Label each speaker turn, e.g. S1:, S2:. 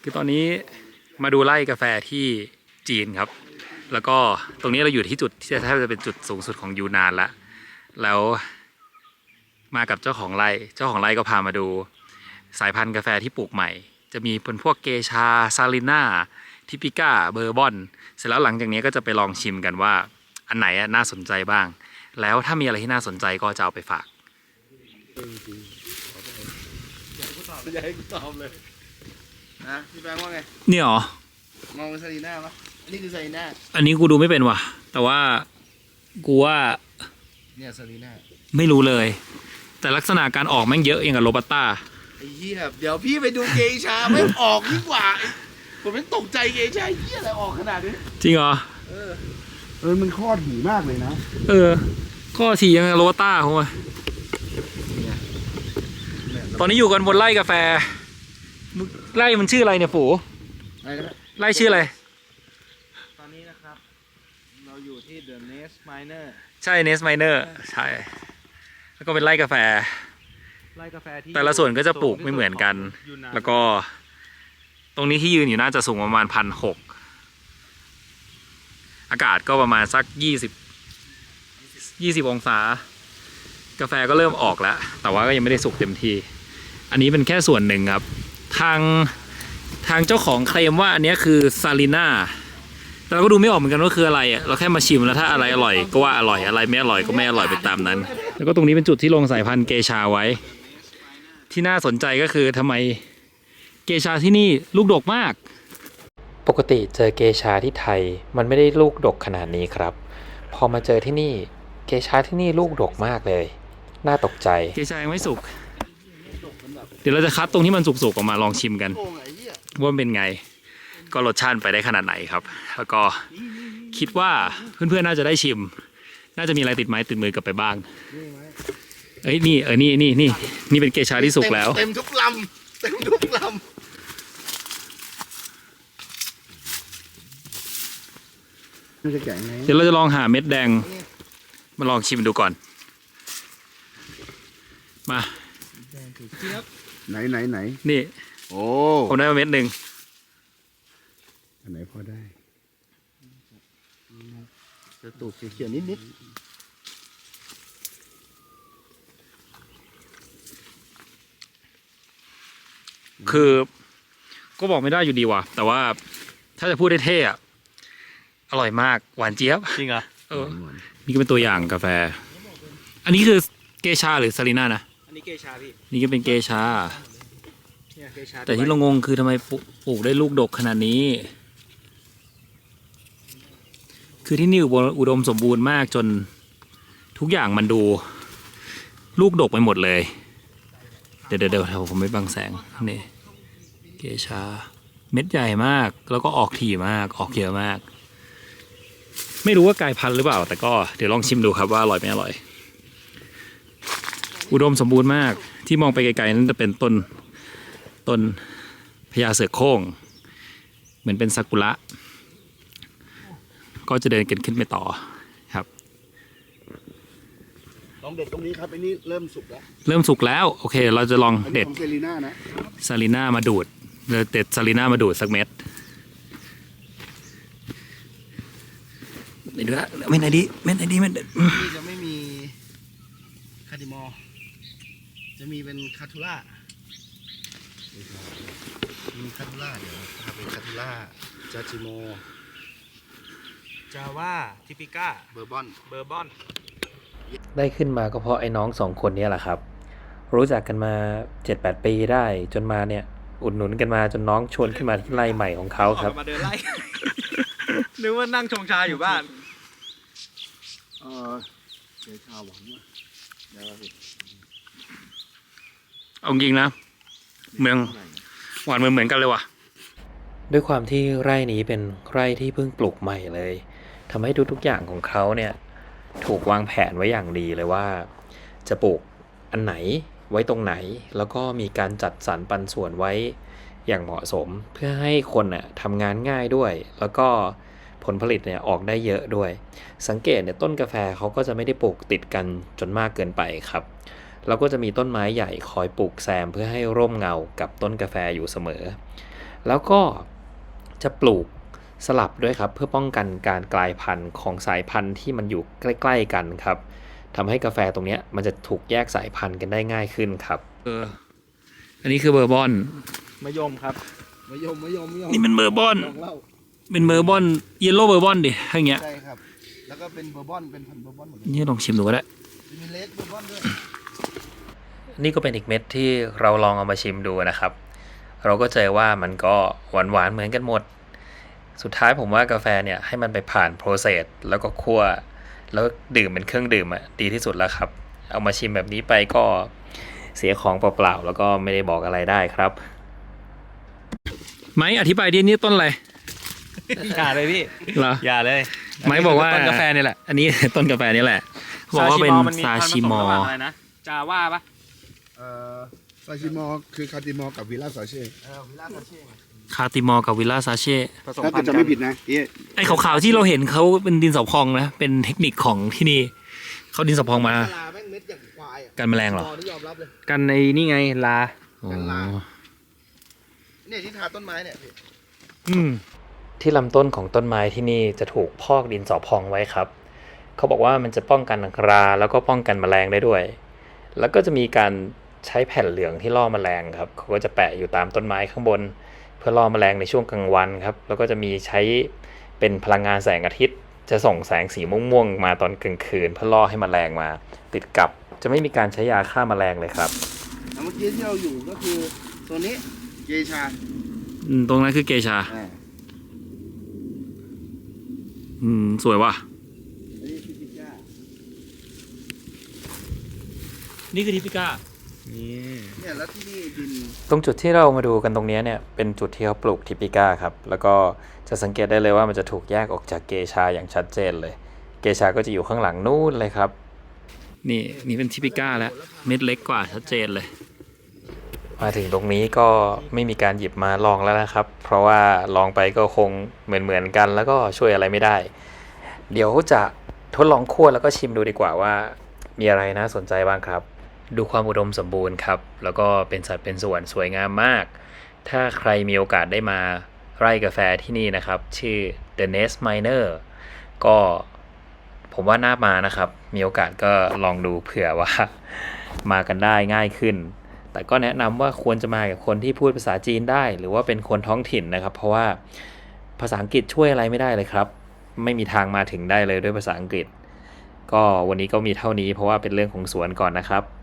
S1: คือตอนนี้มาดูไร่กาแฟที่จีนครับแล้วก็ตรงนี้เราอยู่ที่จุดที่แทบจะเป็นจุดสูงสุดของยูนานแล้วมากับเจ้าของไร่ก็พามาดูสายพันธุ์กาแฟที่ปลูกใหม่จะมีเป็นพวกเกชาซาลิน่าทิปิก้าเบอร์บอนเสร็จแล้วหลังจากนี้ก็จะไปลองชิมกันว่าอันไหนน่าสนใจบ้างแล้วถ้ามีอะไรที่น่าสนใจก็จะเอาไปฝาก
S2: อยากให้กูตอบเลยนะพี่แบงค์ว่าไง
S1: เนี่ยหรอ
S2: มองเป็นซาลีน่าปะอันนี้คือซาลีน่า
S1: อันนี้กูดูไม่เป็นว่ะแต่ว่ากูว่า
S2: เนี่ยซาลีน่า
S1: ไม่รู้เลยแต่ลักษณะการออกแม่งเยอะอย่างกับโรบัสต้า
S2: ไอ้เหี้ยเดี๋ยวพี่ไปดูเกชาไม่ออกดีกว่าผมไม่ตกใจเกชาเหี้ยอะไรออกขนาดนี้
S1: จริงเหรอ
S2: มันข้อถี่มากเลยนะ
S1: ข้อถี่ยังกับโรบัสต้าผมว่าตอนนี้อยู่กันบนไร่กาแฟไร่มันชื่ออะไรเนี่ยฝูไร่ชื่ออะไร
S2: ตอนนี้นะครับเราอยู่ที่ The Nest Miner
S1: ใช่ Nest Miner ใช่แล้วก็เป็นไร่กาแฟที่แต่ละส่วนก็จะปลูกไม่เหมือนกันแล้วก็ตรงนี้ที่ยืนอยู่น่าจะสูงประมาณ1,600อากาศก็ประมาณสัก20องศากาแฟก็เริ่มออกแล้วแต่ว่าก็ยังไม่ได้สุกเต็มที่อันนี้เป็นแค่ส่วนหนึ่งครับทางเจ้าของเคลมว่าอันนี้คือซาลิน่าแต่เราก็ดูไม่ออกเหมือนกันว่าคืออะไรเราแค่มาชิมแล้วถ้าอะไรอร่อยก็ว่าอร่อยอะไรไม่อร่อยก็ไม่อร่อยไปตามนั้นแล้วก็ตรงนี้เป็นจุดที่ลงสายพันธุ์เกชาไว้ที่น่าสนใจก็คือทำไมเกชาที่นี่ลูกดกมาก
S3: ปกติเจอเกชาที่ไทยมันไม่ได้ลูกดกขนาดนี้ครับพอมาเจอที่นี่เกชาที่นี่ลูกดกมากเลยน่าตกใจ
S1: เกชายังไม่สุกเดี๋ยวเราจะคัดตรงที่มันสุกๆออกมาลองชิมกันว่าเป็นไงก็รสชาติไปได้ขนาดไหนครับแล้วก็คิดว่าเพื่อนๆน่าจะได้ชิมน่าจะมีอะไรติดไม้ติดมือกลับไปบ้างนี่เป็นเกชาที่สุกแล้ว
S2: เต็มทุกลำ
S1: เดี๋ยวเราจะลองหาเม็ดแดงมาลองชิมดูก่อนมา
S2: ไหน
S1: นี่
S2: โอ้
S1: ผมได้มาเม็ดหนึ่ง
S2: อันไหนพอได้จะตูดเขียวนิด
S1: คือก็บอกไม่ได้อยู่ดีว่ะแต่ว่าถ้าจะพูดได้เท่อะอร่อยมากหวานเจี๊ยบ
S2: จริงเหรอ
S1: นี่ก็เป็นตัวอย่างกาแฟอันนี้คือเกชาหรือซาลิน่านะ
S2: อันนี้เกชาพี่
S1: นี่ก็เป็นเกชาแต่ที่เรางงคือทำไมปลูกได้ลูกดกขนาดนี้คือที่นี่อุดมสมบูรณ์มากจนทุกอย่างมันดูลูกดกไปหมดเลยเดี๋ยวผมไม่บังแสงนี่เกชาเม็ดใหญ่มากแล้วก็ออกถี่มากออกเยอะมากไม่รู้ว่ากลายพันธุ์หรือเปล่าแต่ก็เดี๋ยวลองชิมดูครับว่าอร่อยไม่อร่อยอุดมสมบูรณ์มากที่มองไปไกลๆนั้นจะเป็นต้นพญาเสือโคร่งเหมือนเป็นซากุระก็จะเดินกันขึ้นไปต่อครับ
S2: ลองเด็ดตรงนี้ครับอันนี้เริ่มสุก
S1: แล้วโอเคเราจะลองเด็ด
S2: ซาลีน่านะ
S1: ซาลิน่ามาดูดเราเด็ดซาลิน่ามาดูดสักเม็ดเดี๋ยวเม็ดไหนดีนี่
S2: จะไม่มีคาร์ดิมอลจะมีเป็นคาทูล่าเดี๋ยวเป็นคาทูล่าจาจิโมจาว่าทิปิก้าเบอร์บอน
S3: ได้ขึ้นมาก็เพราะไอ้น้อง2คนนี้แหละครับรู้จักกันมา 7-8 ปีได้จนมาเนี่ยอุดหนุนกันมาจนน้องชวนขึ้นมาที่ไร่ใหม่ของเขาครับ
S2: มาเดินไร่นึกว่านั่งชงชาอยู่บ้านเดี๋ยวชาหวังว่า
S1: เอาจริงนะเมืองหวานเหมือนกันเลยว่ะ
S3: ด้วยความที่ไร่นี้เป็นไร่ที่เพิ่งปลูกใหม่เลยทำให้ทุกอย่างของเขาเนี่ยถูกวางแผนไว้อย่างดีเลยว่าจะปลูกอันไหนไว้ตรงไหนแล้วก็มีการจัดสรรปันส่วนไว้อย่างเหมาะสมเพื่อให้คนน่ะทำงานง่ายด้วยแล้วก็ผลผลิตเนี่ยออกได้เยอะด้วยสังเกตเนี่ยต้นกาแฟเขาก็จะไม่ได้ปลูกติดกันจนมากเกินไปครับแล้วก็จะมีต้นไม้ใหญ่คอยปลูกแซมเพื่อให้ร่มเงากับต้นกาแฟอยู่เสมอแล้วก็จะปลูกสลับด้วยครับ เพื่อป้องกันการกลายพันธุ์ของสายพันธุ์ที่มันอยู่ใกล้ๆกันครับทำให้กาแฟตรงเนี้ยมันจะถูกแยกสายพันธุ์กันได้ง่ายขึ้นครับ
S1: อันนี้คือเบอร์บอน
S2: มะยมครับมะยม
S1: นี่เป็นเบอร์บอน
S2: ลองเล่า
S1: เป็นเบอร์บอนเยลโล่เบอร์บอนดิถ้าอย่างเงี้ย
S2: ใช่ครับ แล้วก็เป็นเบอร์บอนเป็นพันธุ์เบอร์บอนหมดเลย
S1: นี่ลองชิมดูก็ได้
S2: มีเลดเบอร์บอนด้วย
S3: นี่ก็เป็นอีกเม็ดที่เราลองเอามาชิมดูนะครับ เราก็เจอว่ามันก็หวานๆเหมือนกันหมด สุดท้ายผมว่ากาแฟเนี่ยให้มันไปผ่านโปรเซสแล้วก็คั่วแล้วดื่มเป็นเครื่องดื่มอะดีที่สุดแล้วครับ เอามาชิมแบบนี้ไปก็เสียของเปล่าๆแล้วก็ไม่ได้บอกอะไรได้ครับ
S1: ไม้อธิบายดินี่ต้นอะไร
S4: อย่าเลยพี่
S1: เหรอ
S4: อย่าเลย
S1: ไม้บอกว่า
S4: ต้นกาแฟนี่แหละ
S1: อันนี้ ต้นกาแฟนี่แหละบอกว่าเป็นซาชิมอ
S4: ระหว่างอะไรนะจาว่าปะ
S2: ซาชิมอคือคาติมอกับวิลล่าซาเช่วิลล่าซาเช่
S1: คาติมอกับวิลล่าซาเช่
S4: ผสม
S2: ถ้า
S4: พั
S2: เกิ
S4: น
S2: ด
S4: ธุ์
S2: จะ
S4: กั
S2: ไม่
S4: น
S2: ผิดนะเอ๊ะ
S1: ไอ้ขาวๆที่เราเห็นเขาเป็นดินสอพองนะเป็นเทคนิคของที่นี่เขาดินสอพองมา
S2: ลาแม่งเม็ดอย่างควายอ่ะ
S1: กันแมลงเหรอ
S2: นี่ยอมรับเลย
S4: กันในนี่ไงลา
S2: กันลา เนี่ยที่ทาต้นไม้เนี่ยพี่
S1: อืม
S3: ที่ลำต้นของต้นไม้ที่นี่จะถูกพอกดินสอพองไว้ครับ เขาบอกว่ามันจะป้องกันราแล้วก็ป้องกันแมลงได้ด้วย แล้วก็จะมีการใช้แผ่นเหลืองที่ล่อแมลงครับ เขาก็จะแปะอยู่ตามต้นไม้ข้างบน เพื่อล่อแมลงในช่วงกลางวันครับ แล้วก็จะมีใช้เป็นพลังงานแสงอาทิตย์ จะส่งแสงสีม่วงๆมาตอนกลางคืน เพื่อล่อให้แมลงมาติดกับ จะไม่มีการใช้ยาฆ่าแมลงเลยครับ
S2: แล้วเมื่อกี้ที่เราอยู่ก็คือตัวนี้เกชา
S1: ตรงนั้นคือเกชา สวยว่ะ
S2: อันนี้พิจิก้า
S1: นี่คือทิปิก้า
S2: เนี่ยแล้วที่นี่ดิน
S3: ตรงจุดที่เรามาดูกันตรงนี้เนี่ยเป็นจุดที่เขาปลูกทิปิก้าครับ แล้วก็จะสังเกตได้เลยว่ามันจะถูกแยกออกจากเกชาอย่างชัดเจนเลย เกชาก็จะอยู่ข้างหลังนู่นเลยครับ
S1: นี่เป็นทิปิก้าแล้วเม็ดเล็กกว่าชัดเจนเลย
S3: มาถึงตรงนี้ก็ไม่มีการหยิบมาลองแล้วนะครับ เพราะว่าลองไปก็คงเหมือนกันแล้วก็ช่วยอะไรไม่ได้ เดี๋ยวจะทดลองคั่วแล้วก็ชิมดูดีกว่าว่ามีอะไรน่าสนใจบ้างครับ ดูความอุดมสมบูรณ์ครับ แล้วก็เป็นสัดเป็นส่วนสวยงามมาก ถ้าใครมีโอกาสได้มาไร่กาแฟที่นี่นะครับ ชื่อ The Nest Miner ก็ผมว่าน่ามานะครับ มีโอกาสก็ลองดูเผื่อว่า มากันได้ง่ายขึ้น แต่ก็แนะนำว่าควรจะมากับคนที่พูดภาษาจีนได้ หรือว่าเป็นคนท้องถิ่นนะครับ เพราะว่าภาษาอังกฤษช่วยอะไรไม่ได้เลยครับ ไม่มีทางมาถึงได้เลยด้วยภาษาอังกฤษ ก็วันนี้ก็มีเท่านี้เพราะว่าเป็นเรื่องของสวนก่อนนะครับ